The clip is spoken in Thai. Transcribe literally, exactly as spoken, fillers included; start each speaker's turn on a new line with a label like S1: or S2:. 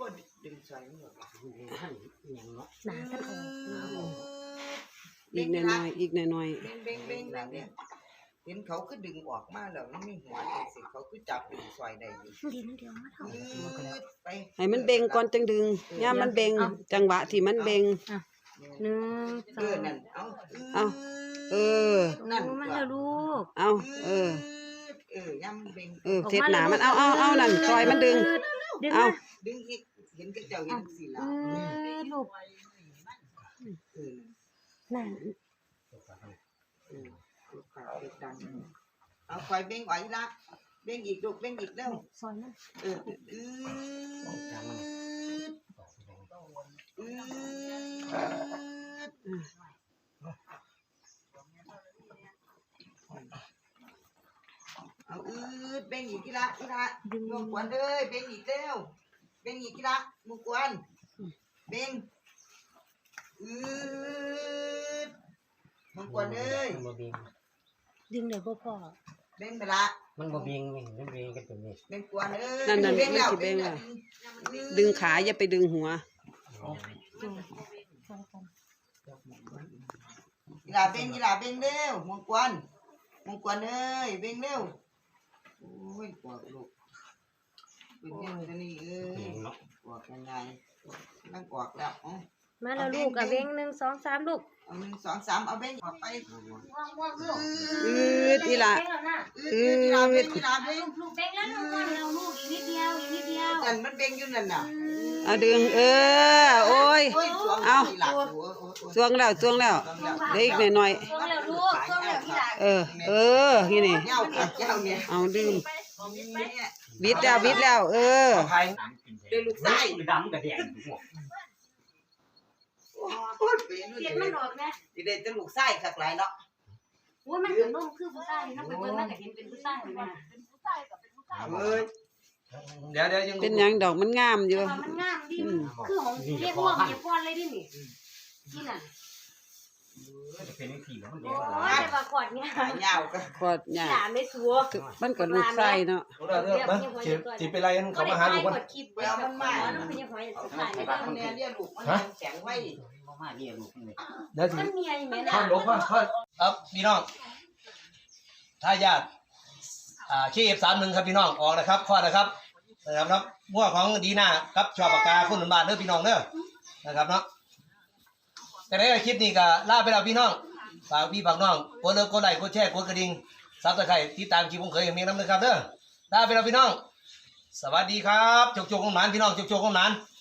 S1: ดึงใส่หมดท่านยังเนาะ
S2: หนาท่านโอ้
S3: อีกหน่อยๆอีกหน่อย
S1: เบ่งเบ่งเบ่งเบ่งเนี่ยเห็นเขาก็ดึงออกมาแล้วมันมีหัวจังสิเขาก็จับดึงซอยได้อยู่
S2: ดีนั่นเดียวมาเท่า
S1: ไป
S3: ๆให้มันเบ่งก่อนจังดึงย่ามมันเบ่งจังหวะที่มันเบ่ง
S2: หนึ่งส
S1: เอ
S2: อ
S1: อง นั่นเอา
S3: เอาเออ
S1: นั่น
S2: โอ้มันแล้วลูก
S3: เอาเออ
S1: เออย่ำเบ่ง
S3: เออเทปหนามันเอาเอาเอานั่นซอยมันดึง
S2: ดึง
S3: เอา
S2: มา
S1: ดึงอีกเห็นกระเจ้าเห็นสิ
S2: เอ
S1: ล่ะ
S2: อลูก
S1: เออ
S2: นั่น
S1: เออลูกขาเด็กดังเอาคอยเบ่งไหวละเบ่งอีกลูกเบ่งอีกแล้ว
S2: ซอยมัน
S1: เออเออเอาอืดเบ่งอีกกีฬากีฬามุกวนเลยเบ่งอีกเร็วเบ่งอีกกีฬามุกวนเบ่งอืดมุกวนเลย
S4: มันบ่เบียง
S2: ดึงเดี๋ยวพ่อพ่อ
S1: เบ่งไปละ
S4: มันบ่เบียงนี่มันเบียงกันตรงนี้
S1: เบ่งกวนเลย
S3: นั่นนั่น
S1: เบ่งแล้ว
S3: มันสิเบ่ง
S1: แล้
S3: แล้ว ว ดึงขาอย่าไปดึงหัว
S2: ซอยกัน
S1: กีฬาเบ่งกีฬาเบ่งเร็วมุกวนมุกวนเลยเบ่งเร็วโอ้ยปวดลูกเป็นยังไงนี่เอ้ยปวดยังไงนั่งกวกแล้วอ๋อ
S2: มาแล้วลูกกับเบ้งหนึ่งสองสามลูก
S1: เอาหนึ่งสองสามเอาเบ่งออกไป
S2: ว่างว่างลูก
S3: อืดอีหละ
S1: อืดกีฬาเบ่งกีฬาเบ่ง
S2: ลูกเบ้งแล้วลูกว่างแล้วลูกอีกนิดเดียวอีกนิดเดียว
S1: นั่นมันเบ่งอยู่นั่นน่ะ
S3: เอาดึงเออโอ้ย
S1: โอ้ยสวง
S3: เอา
S1: อีหลักโอ้ยโอ้ยโอ้ย
S3: จวงแล้วจวงแล้วเดี๋ยวอีกหน่อย
S2: ช่วงแล้วลูกช่วงแล้วที่หลัง
S3: ๆเออ เออนี่นี่
S1: เจ้าค่ะเจ้าเนี่ย
S3: เอาดึง
S1: เนี่ย
S3: วิดแล้ววิดแล้ว เออ
S4: ไผ่
S1: เดินลูกไส้
S4: ดำกับแดงทุกหมด
S1: โคตรเป็น
S2: เสีย
S1: เล
S2: มัน
S1: ย
S2: ออกนะ
S1: ที่ได้จะลูกไส้สักหลายเนาะ
S2: โอ้ยมันเหมือนนุ่มคือผู้ชายน้องไปเบิ่งมันก็เห็นเป็นผู้ชายเลยนะ
S1: เอ้ย
S4: เดี๋ยวเดี๋ยวยัง
S3: เป็นหยังดอกมันงามอยู่
S2: ว่ามันงามดิคือของเรียกว่าเรียกว่าเลยดินี่ที่นั่น
S4: จะเป็นผีแล้วมัน
S2: โอ้
S4: เดี๋ยวย
S2: แต่ว่าขอดเนี่ย
S1: หายาวก็
S3: กอดห
S2: ห
S3: ญ้า
S2: ลานไม่สัว
S3: มันก็ลูกไส้เนาะ
S4: เดี๋ยวเดี๋ยวมาสิสิเป็นไรกันเขามาหาลูกมัน
S2: กดคลิปแล้วมันมาแล้วมันยังหอย
S1: เอา
S2: สุดท้าย
S1: ไป
S2: เลย
S1: บ้านเนี่ยเรียกลูกมันแข็งไว้
S4: มาเรียกลูกนี่
S5: เดี๋ยวสิ
S2: มันมีอะไรไหมล่ะ
S5: พ่อหลวงพ่อพ่อครับพี่น้องถ้าญาติอ่าขี้เอฟสามหนึ่งครับพี่น้องออกนะครับข้อนะครับนะครับเนาะมั่วของดีน่าครับชอบปากกาคุณหนุนบาทเด้อพี่น้องเด้อนะครับเนาะแต่ในคลิปนี้ก็ลาไปแล้วพี่น้องฝากพี่ฝากน้องกดเลิฟกดไลค์กดแชร์กดกระดิ่งซับสไครต์ติดตามคลิปผมเคยเห็นมีน้ำนะครับเด้อลาไปแล้วพี่น้องสวัสดีครับจกจกของหนานพี่น้องจกจกของหนาน